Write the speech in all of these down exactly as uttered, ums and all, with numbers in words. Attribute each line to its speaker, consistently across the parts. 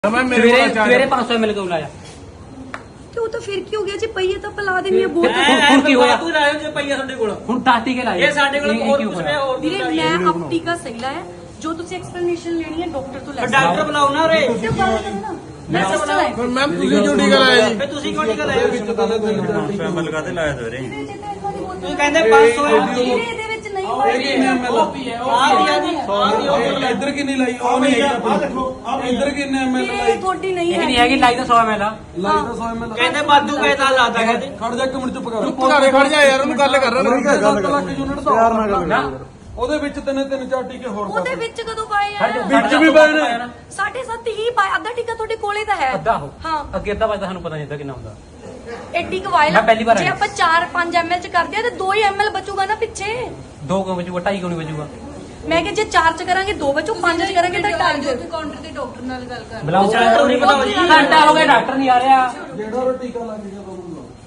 Speaker 1: सवेरे पाँच सौ एम एल क्यों लाया?
Speaker 2: तो तो फिर की हो गया जी पहिए तो पिला देनी है बहुत
Speaker 1: ਹੁਣ ਕੀ ਹੋਇਆ?
Speaker 3: ਤੂੰ ਲਾਇਓ ਜੇ ਪਈਆ ਸਾਡੇ ਕੋਲ
Speaker 1: ਹੁਣ ਦਸ ਟੀਕੇ ਲਾਏ
Speaker 3: ਇਹ ਸਾਡੇ ਕੋਲ ਹੋਰ ਕੁਝ ਨਹੀਂ ਹੋਰ
Speaker 2: ਵੀਰੇ ਮੈਂ ਆਪ ਟੀਕਾ ਸਹੀ ਲਾਇਆ ਜੋ ਤੁਸੀਂ ਐਕਸਪਲੇਨੇਸ਼ਨ ਲੈਣੀ ਹੈ ਡਾਕਟਰ ਤੋਂ ਲੈ ਸਕਦੇ
Speaker 3: ਡਾਕਟਰ ਬੁਲਾਓ ਨਾ ਰੇ
Speaker 2: ਹੋ ਗੱਲ ਕਰੋ ਨਾ ਮੈਂ ਸਿਸਟਰ ਆਇਆ
Speaker 4: ਪਰ ਮੈਮ ਤੁਸੀਂ ਕਿਉਂ ਟੀਕਾ ਲਾਇਆ ਜੀ?
Speaker 3: ਫੇ ਤੁਸੀਂ ਕਿਉਂ ਟੀਕਾ ਲਾਇਆ
Speaker 5: ਐਮਐਲ ਕਾਤੇ ਲਾਇਆ ਸਵੇਰੇ?
Speaker 3: ਤੂੰ ਕਹਿੰਦੇ ਪੰਜ ਸੌ
Speaker 2: ਵੀਰੇ ਇਹਦੇ ਵਿੱਚ ਨਹੀਂ ਹੋਏਗਾ
Speaker 3: ਆ ਦਿਆ ਜੀ ਆ ਦਿਓ
Speaker 4: ਇੱਧਰ ਕਿੰਨੀ ਲਾਈ? ਉਹ ਨਹੀਂ ਆ ਦੇਖੋ ਇੱਧਰ ਕਿੰਨੇ ਐਮਐਲ
Speaker 2: ਵੀਰੇ ਤੁਹਾਡੀ ਨਹੀਂ
Speaker 1: ਇਹ
Speaker 2: ਹੈ
Speaker 1: ਨਹੀਂ ਹੈਗੀ ਲਾਈ ਤਾਂ ਸੌ ਐਮ ਐਲ ਆ।
Speaker 4: ਲਾਈ ਤਾਂ ਸੌ ਐਮਐਲ
Speaker 3: ਕਹਿੰਦੇ ਬਾਦੂ ਕਹਿਤਾ ਲਾਤਾ ਕਹਿੰਦੇ
Speaker 4: ਖੜ ਜਾ ਇੱਕ ਮਿੰਟ ਚੁੱਪ ਕਰ
Speaker 5: ਚੁੱਪ ਕਰ ਖੜ ਜਾ ਯਾਰ ਉਹਨੂੰ ਗੱਲ ਕਰ ਰਿਹਾ
Speaker 4: ਸੱਤ ਲੱਖ ਯੂਨਿਟ ਦਾ
Speaker 5: ਪਿਆਰ ਨਾਲ ਗੱਲ
Speaker 1: ਨਾ
Speaker 4: ਉਹਦੇ ਵਿੱਚ ਤਿੰਨ ਤਿੰਨ ਚਾਰ ਟੀਕੇ ਹੋਰ
Speaker 2: ਉਹਦੇ ਵਿੱਚ ਕਦੋਂ ਪਾਏ ਆ
Speaker 4: ਵਿੱਚ ਵੀ ਪਾਏ ਨੇ।
Speaker 2: ਸਾਢੇ ਸੱਤ ਹੀ ਪਾਏ ਅੱਧਾ ਟੀਕਾ ਤੁਹਾਡੇ ਕੋਲੇ ਤਾਂ ਹੈ
Speaker 1: ਅੱਧਾ ਹੋ
Speaker 2: ਹਾਂ
Speaker 1: ਅੱਗੇ ਅੱਧਾ ਵੱਜਦਾ ਸਾਨੂੰ ਪਤਾ ਨਹੀਂ ਹੁੰਦਾ ਕਿੰਨਾ ਹੁੰਦਾ।
Speaker 2: ਐਡੀ ਕਵਾਇਲ
Speaker 1: ਮੈਂ ਪਹਿਲੀ ਵਾਰ
Speaker 2: ਜੇ
Speaker 1: ਆਇਆ।
Speaker 2: ਆਪਾਂ ਚਾਰ ਪੰਜ ਐਮਐਲ ਚ ਕਰਦੇ ਆ ਤੇ ਦੋ ਹੀ ਐਮਐਲ ਬਚੂਗਾ ਨਾ ਪਿੱਛੇ
Speaker 1: ਦੋ ਕਿਉਂ ਵਜੂਗਾ ਢਾਈ ਕਿਉਂ ਨਹੀਂ ਵਜੂਗਾ?
Speaker 2: ਮੈਂ ਕਿ ਜੇ ਚਾਰ ਚ ਕਰਾਂਗੇ ਦੋ ਬਚੂ ਪੰਜ ਚ ਕਰਾਂਗੇ ਤਾਂ ਢਾਈ ਚ
Speaker 6: ਕਾਊਂਟਰ ਤੇ ਡਾਕਟਰ ਨਾਲ ਗੱਲ ਕਰ
Speaker 1: ਬੁਲਾਓ
Speaker 3: ਡਾਕਟਰ ਨਹੀਂ ਬੁਲਾਓ ਜੀ
Speaker 1: ਘੰਟਾ ਹੋ ਗਿਆ ਡਾਕਟਰ ਨਹੀਂ ਆ ਰਿਹਾ।
Speaker 4: ਜਿਹੜਾ ਉਹ ਟੀਕਾ ਲੱਗ ਗਿਆ ਤੁਹਾਨੂੰ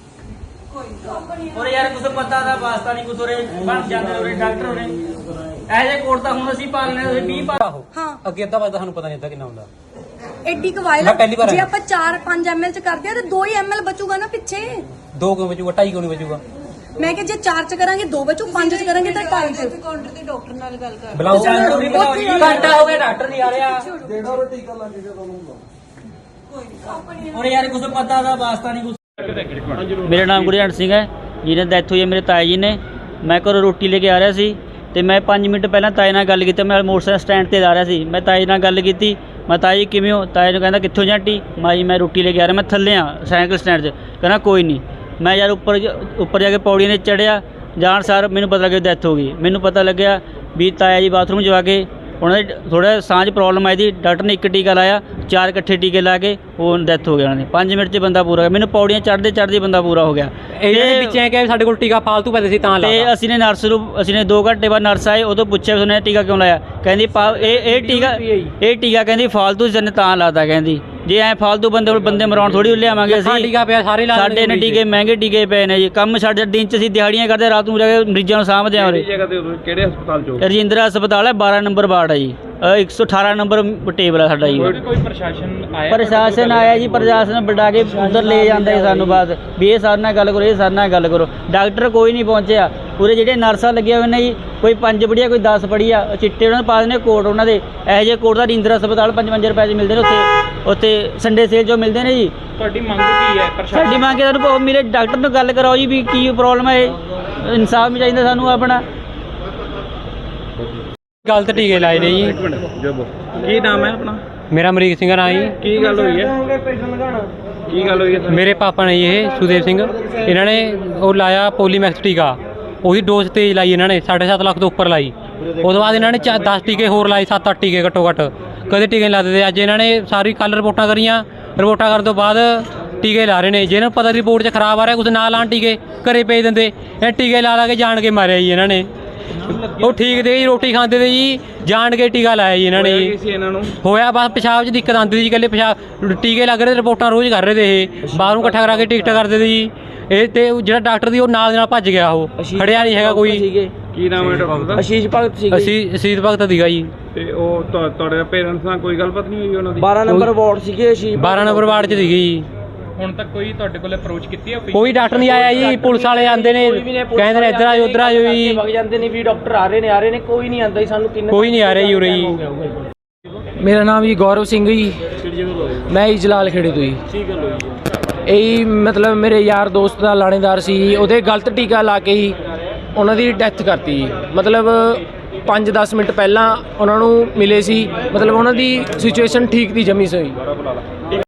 Speaker 3: ਔਰ ਯਾਰ ਕੁਝ ਪਤਾ ਦਾ ਵਾਸਤਾ ਨਹੀਂ ਕੁਝ ਉਰੇ ਬਣ ਜਾਂਦੇ ਉਰੇ ਡਾਕਟਰ ਉਰੇ ਇਹ ਜੇ ਕੋਟ ਤਾਂ ਹੁਣ ਅਸੀਂ ਪਾਲਨੇ ਤੁਸੀਂ ਵੀਹ ਪਾ
Speaker 2: ਹਾਂ
Speaker 1: ਅੱਗੇ ਅੱਧਾ ਵੱਜਦਾ ਸਾਨੂੰ ਪਤਾ ਨਹੀਂ ਹੁੰਦਾ ਕਿੰਨਾ ਹੁੰਦਾ।
Speaker 2: ਐਡੀ ਕਵਾਇਲ
Speaker 1: ਮੈਂ ਪਹਿਲੀ ਵਾਰ
Speaker 2: ਜੇ
Speaker 1: ਆਇਆ।
Speaker 2: ਆਪਾਂ ਚਾਰ ਪੰਜ ਐਮਐਲ ਚ ਕਰਦੇ ਆ ਤੇ ਦੋ ਹੀ ਐਮਐਲ ਬਚੂਗਾ ਨਾ ਪਿੱਛੇ
Speaker 1: ਦੋ ਕਿਉਂ ਵਜੂਗਾ ਢਾਈ ਕਿਉਂ ਨਹੀਂ ਵਜੂਗਾ?
Speaker 2: ਮੈਂ ਕਿ ਜੇ ਚਾਰ ਚ ਕਰਾਂਗੇ ਦੋ ਬਚੂ ਪੰਜ ਚ ਕਰਾਂਗੇ ਤਾਂ ਢਾਈ ਚ
Speaker 6: ਕਾਊਂਟਰ ਤੇ ਡਾਕਟਰ ਨਾਲ ਗੱਲ ਕਰ
Speaker 1: ਬੁਲਾਓ
Speaker 3: ਡਾਕਟਰ ਨਹੀਂ ਬੁਲਾਓ ਜੀ
Speaker 1: ਘੰਟਾ ਹੋ ਗਿਆ ਡਾਕਟਰ ਨਹੀਂ ਆ ਰਿਹਾ।
Speaker 4: ਜਿਹੜਾ ਉਹ ਟੀਕਾ ਲੱਗ ਗਿਆ ਤੁਹਾਨੂੰ
Speaker 3: ਔਰ ਯਾਰ ਕੁਝ ਪਤਾ ਦਾ ਵਾਸਤਾ ਨਹੀਂ ਕੁਝ
Speaker 7: मेरा नाम गुरजंट सिंह है जिन्हें डैथ हुई है मेरे ताए जी ने। मैं घरों रोटी लेके आ रहा सी ते मैं पाँच मिनट पहले ताए नाल गल की। मैं मोटरसाइकिल स्टैंड ते जा रहा सी। मैं ताए नाल गल की मैं ताए जी किवें हो? ताए ने कहना कित्थों जांटी? मैं जी मैं रोटी लेके आ रहा मैं थल्ले हाँ साइकिल स्टैंड से। कहना कोई नहीं। मैं यार उपर उपर जाके पौड़ियां ने चढ़िया जान सार मैनूं पता लगे डैथ हो गई। मैनूं पता लग्या भी ताया जी बाथरूम च आके उन्होंने थोड़ा सांस प्रॉब्लम आई थी। डॉक्टर ने एक टीका लाया चार इकट्ठे टीके ला के वो डैथ हो गया उन्होंने पाँच मिनट च बंदा पूरा हो गया। मैंने पौड़ियां चढ़ते चढ़ते बंदा पूरा हो गया।
Speaker 1: ਇਹਨਾਂ ਦੇ ਵਿੱਚ ਐ ਕਿ ਸਾਡੇ ਕੋਲ ਟੀਕਾ ਫਾਲਤੂ ਪੈਦੇ ਸੀ ਤਾਂ
Speaker 7: ਤੇ
Speaker 1: ਲਾਤਾ।
Speaker 7: ਅਸੀਂ ਨੇ ਨਰਸ ਨੂੰ ਅਸੀਂ ਨੇ ਦੋ ਘੰਟੇ ਬਾਅਦ ਨਰਸ ਆਏ ਉਹ ਤੋਂ ਪੁੱਛਿਆ ਉਹਨੇ ਟੀਕਾ ਕਿਉਂ ਲਾਇਆ? ਕਹਿੰਦੀ ਪਾ- ਇਹ ਇਹ ਟੀਕਾ ਇਹ ਟੀਕਾ ਕਹਿੰਦੀ ਫਾਲਤੂ ਜਨ ਤਾਂ ਲਾਤਾ। ਕਹਿੰਦੀ ਜੇ ਐ ਫਾਲਤੂ ਬੰਦੇ ਕੋਲ ਬੰਦੇ ਮਰਾਉਣ ਥੋੜੀ ਲਿਆਵਾਂਗੇ
Speaker 1: ਲੱਖਾਂ
Speaker 7: ਅਸੀਂ।
Speaker 1: ਟੀਕਾ ਪਿਆ ਸਾਰੇ ਲਾ
Speaker 7: ਸਾਡੇ ਨੇ ਟੀਕੇ ਮਹਿੰਗੇ ਟੀਕੇ ਪਏ ਨੇ ਜੀ। ਕੰਮ ਸਾਡੇ ਦਿਨ ਚ ਅਸੀਂ ਦਿਹਾੜੀਆਂ ਕਰਦੇ ਰਾਤ ਨੂੰ ਜਾ ਕੇ ਮਰੀਜ਼ਾਂ ਨੂੰ ਸਾਂਭਦੇ ਹਾਂ ਉਰੇ।
Speaker 5: ਕਿਹੜੇ ਹਸਪਤਾਲ ਚੋਂ?
Speaker 7: ਰਜਿੰਦਰਾ ਹਸਪਤਾਲ ਹੈ ਬਾਰਾਂ ਨੰਬਰ ਵਾਰਡ ਹੈ ਜੀ। ਇੱਕ ਸੌ ਅਠਾਰਾਂ ਨੰਬਰ ਟੇਬਲ ਹੈ ਸਾਡਾ ਜੀ।
Speaker 5: ਕੋਈ ਪ੍ਰਸ਼ਾਸਨ ਆਇਆ?
Speaker 7: ਪ੍ਰਸ਼ਾਸਨ ਆਇਆ ਜੀ। ਪ੍ਰਸ਼ਾਸਨ ਬਟਾ ਕੇ ਉਧਰ ਲੈ ਜਾਂਦਾ ਜੀ ਸਾਨੂੰ ਬਾਅਦ ਵੀ ਇਹ ਸਾਡੇ ਨਾਲ ਗੱਲ ਕਰੋ ਇਹ ਸਾਡੇ ਨਾਲ ਗੱਲ ਕਰੋ। ਡਾਕਟਰ ਕੋਈ ਨਹੀਂ ਪਹੁੰਚਿਆ। ਪੂਰੇ ਜਿਹੜੇ ਨਰਸਾਂ ਲੱਗੀਆਂ ਹੋਏ ਨੇ ਜੀ ਕੋਈ ਪੰਜ ਪੜ੍ਹੀ ਆ ਕੋਈ ਦਸ ਪੜ੍ਹੀ ਆ ਚਿੱਟੇ ਉਹਨਾਂ ਨੂੰ ਪਾ ਦਿੰਦੇ ਕੋਟ ਉਹਨਾਂ ਦੇ ਇਹੋ ਜਿਹੇ ਕੋਟ ਦਾ ਰਜਿੰਦਰਾ ਹਸਪਤਾਲ ਪੰਜਵੰਜਾ ਰੁਪਏ 'ਚ ਮਿਲਦੇ ਨੇ ਉੱਥੇ ਉੱਥੇ ਸੰਡੇ ਸੇਲ ਜੋ ਮਿਲਦੇ ਨੇ ਜੀ।
Speaker 5: ਤੁਹਾਡੀ ਮੰਗ ਕੀ ਹੈ ਪ੍ਰਸ਼ਾਸਨ?
Speaker 7: ਸਾਡੀ ਮੰਗ ਹੈ ਸਾਨੂੰ ਮੇਰੇ ਡਾਕਟਰ ਨਾਲ ਗੱਲ ਕਰਾਓ ਜੀ ਵੀ ਕੀ ਪ੍ਰੋਬਲਮ ਹੈ। ਇਹ ਇਨਸਾਫ ਵੀ ਚਾਹੀਦਾ ਸਾਨੂੰ ਆਪਣਾ।
Speaker 1: ਗਲਤ ਟੀਕੇ ਲਾਏ ਨੇ ਜੀ।
Speaker 5: ਕੀ ਨਾਮ ਹੈ ਆਪਣਾ?
Speaker 1: ਮੇਰਾ ਅਮਰੀਕ ਸਿੰਘ ਨਾਂ ਜੀ।
Speaker 5: ਕੀ ਗੱਲ ਹੋਈ ਹੈ? ਕੀ ਗੱਲ ਹੋਈ ਹੈ?
Speaker 1: ਮੇਰੇ ਪਾਪਾ ਨੇ ਜੀ ਇਹ ਸੁਦੇਵ ਸਿੰਘ ਇਹਨਾਂ ਨੇ ਉਹ ਲਾਇਆ ਪੋਲੀਮੈਕਸ ਟੀਕਾ ਉਹਦੀ ਡੋਜ਼ ਤੇਜ਼ ਲਾਈ ਇਹਨਾਂ ਨੇ ਸਾਢੇ ਸੱਤ ਲੱਖ ਤੋਂ ਉੱਪਰ ਲਾਈ। ਉਸ ਤੋਂ ਬਾਅਦ ਇਹਨਾਂ ਨੇ ਚਾ ਦਸ ਟੀਕੇ ਹੋਰ ਲਾਏ ਸੱਤ ਅੱਠ ਟੀਕੇ ਘੱਟੋ ਘੱਟ ਕਦੇ ਟੀਕੇ ਨਹੀਂ ਲਾਦੇ ਤੇ ਅੱਜ ਇਹਨਾਂ ਨੇ ਸਾਰੀ ਕੱਲ੍ਹ ਰਿਪੋਰਟਾਂ ਕਰੀਆਂ। ਰਿਪੋਰਟਾਂ ਕਰਨ ਤੋਂ ਬਾਅਦ ਟੀਕੇ ਲਾ ਰਹੇ ਨੇ। ਜਿਹਨਾਂ ਨੂੰ ਪਤਾ ਰਿਪੋਰਟ 'ਚ ਖਰਾਬ ਆ ਰਿਹਾ ਕੁਝ ਨਾ ਲਾਣ ਟੀਕੇ ਘਰੇ ਭੇਜ ਦਿੰਦੇ। ਇਹ ਟੀਕੇ ਲਾ ਲਾ ਕੇ ਜਾਣ ਕੇ ਮਾਰਿਆ ਜੀ ਇਹਨਾਂ ਨੇ। ਉਹ ਠੀਕ ਤੇ ਜੀ ਰੋਟੀ ਖਾਂਦੇ ਤੇ ਜੀ ਜਾਣ ਕੇ ਟੀਕਾ ਲਾਇਆ ਜੀ ਇਹਨਾਂ ਨੇ ਜੀ।
Speaker 5: ਸੀ ਇਹਨਾਂ ਨੂੰ
Speaker 1: ਹੋਇਆ ਬਸ ਪਿਸ਼ਾਬ 'ਚ ਦਿੱਕਤ ਆਉਂਦੀ ਸੀ ਜੀ ਇਕੱਲੇ ਪਿਸ਼ਾਬ ਟੀਕੇ ਲੱਗ ਰਹੇ ਰਿਪੋਰਟਾਂ ਰੋਜ਼ ਕਰ ਰਹੇ ਤੇ ਇਹ ਬਾਹਰੋਂ ਇਕੱਠਾ ਕਰਾ ਕੇ ਟਿਕਟ ਕਰਦੇ ਤੇ ਜੀ। ਇਹ ਤੇ ਜਿਹੜਾ ਡਾਕਟਰ ਦੀ ਉਹ ਨਾਲ ਦੇ ਨਾਲ ਭੱਜ ਗਿਆ। ਉਹ ਖੜਿਆ ਨਹੀਂ ਹੈਗਾ ਕੋਈ।
Speaker 5: ਕੀ ਨਾਮ ਹੈ ਡਾਕਟਰ ਦਾ?
Speaker 7: ਅਸ਼ੀਸ਼ ਭਗਤ ਸੀ
Speaker 1: ਅਸੀਂ ਅਸੀਤ ਭਗਤ ਦੀਗਾ ਜੀ।
Speaker 5: ਤੇ ਉਹ ਤੁਹਾ- ਤੁਹਾਡੇ ਪੇਰੈਂਟਸ ਨਾਲ ਕੋਈ ਗੱਲਬਾਤ ਨਹੀਂ ਹੋਈ ਉਹਨਾਂ ਦੀ?
Speaker 7: ਬਾਰਾਂ ਨੰਬਰ ਵਾਰਡ ਸੀਗੇ ਅਸ਼ੀਸ਼
Speaker 1: ਬਾਰਾਂ ਨੰਬਰ ਵਾਰਡ 'ਚ ਸੀਗੀ ਜੀ।
Speaker 5: ਹੁਣ ਤੱਕ ਕੋਈ ਤੁਹਾਡੇ ਕੋਲ ਅਪਰੋਚ ਕੀਤੀ ਹੈ?
Speaker 1: ਕੋਈ ਡਾਕਟਰ ਨਹੀਂ ਆਇਆ ਜੀ। ਪੁਲਿਸ ਵਾਲੇ ਆਉਂਦੇ ਨੇ ਕਹਿੰਦੇ ਨੇ ਇੱਧਰ ਆਜੋ ਉੱਧਰ ਆਜੋ ਜੀ।
Speaker 7: ਵਗ ਜਾਂਦੇ ਨੇ ਵੀ ਡਾਕਟਰ ਆ ਰਹੇ ਨੇ ਆ ਰਹੇ ਨੇ ਕੋਈ ਨਹੀਂ ਆਉਂਦਾ ਜੀ। ਸਾਨੂੰ ਤਿੰਨ
Speaker 1: ਕੋਈ ਨਹੀਂ ਆ ਰਿਹਾ ਜੀ ਉਰੇ ਜੀ।
Speaker 8: ਮੇਰਾ ਨਾਮ ਜੀ ਗੌਰਵ ਸਿੰਘ ਜੀ। ਮੈਂ ਜੀ ਜਲਾਲ ਖੇੜੇ ਤੋਂ ਜੀ। ਇਹ ਮਤਲਬ ਮੇਰੇ ਯਾਰ ਦੋਸਤ ਦਾ ਲਾਣੇਦਾਰ ਸੀ ਜੀ। ਉਹਦੇ ਗਲਤ ਟੀਕਾ ਲਾ ਕੇ ਹੀ ਉਹਨਾਂ ਦੀ ਡੈਥ ਕਰਤੀ ਜੀ। ਮਤਲਬ ਪੰਜ ਦਸ ਮਿੰਟ ਪਹਿਲਾਂ ਉਹਨਾਂ ਨੂੰ ਮਿਲੇ ਸੀ। ਮਤਲਬ ਉਹਨਾਂ ਦੀ ਸਿਚੁਏਸ਼ਨ ਠੀਕ ਦੀ ਜਮੀ ਸਹੀ।